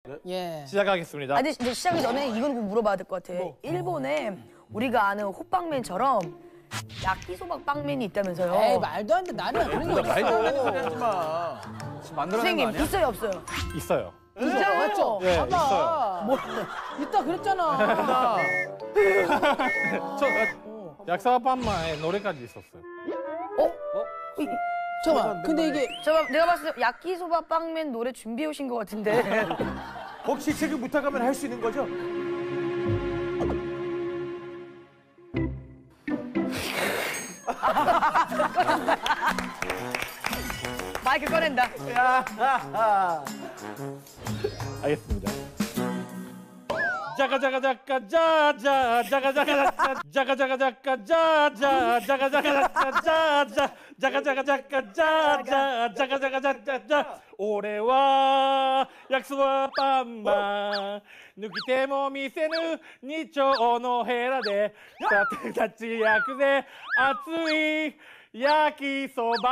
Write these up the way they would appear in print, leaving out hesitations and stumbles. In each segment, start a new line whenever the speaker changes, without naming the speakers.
예.
시작하겠습니다.
아니 이제 시작하기 전에 이건 꼭 물어봐야 될 것 같아. 일본에 우리가 아는 호빵맨처럼 야끼소바 빵맨이 있다면서요?
에이 말도 안 돼. 나는 그런 거
말도 안 되는
어딨어.
소리 하지 마. 지금 만들어낸 거
선생님
아니야?
있어요 없어요?
있어요.
진짜 맞죠?
네,
봐봐.
있어요.
뭐 있다 그랬잖아.
약사밤마의 노래까지 있었어요.
잠깐만. 근데 이게
내가 봤을 때 야끼소바 빵맨 노래 준비해 오신 것 같은데.
혹시 지금 부탁하면 할 수 있는 거죠?
마이크 꺼낸다.
알겠습니다. 자가자가자가자자 자가자가자자 자가자가자가자자 자가자가자가자자 자가자가자가자자 자가자가자자 올해와 약속はパンマン抜きても見せぬ二丁のヘラで立ち焼くぜ熱い焼きそば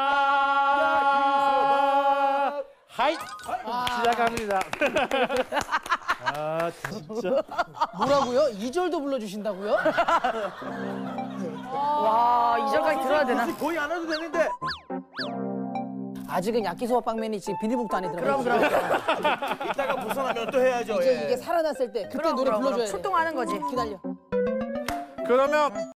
はい시작합니다. 아 진짜
뭐라고요? 2절도 불러주신다고요?
와 2절까지 들어야 되나?
거의 안 해도 되는데.
아직은 야끼소바 빵맨이 지금 비닐봉투 안에 들어가
그럼
있어요.
이따가 벗어나면 또 해야죠.
이제 이게 살아났을 때 그때 노래 불러줘야 돼.
출동하는 거지.
기다려.
그러면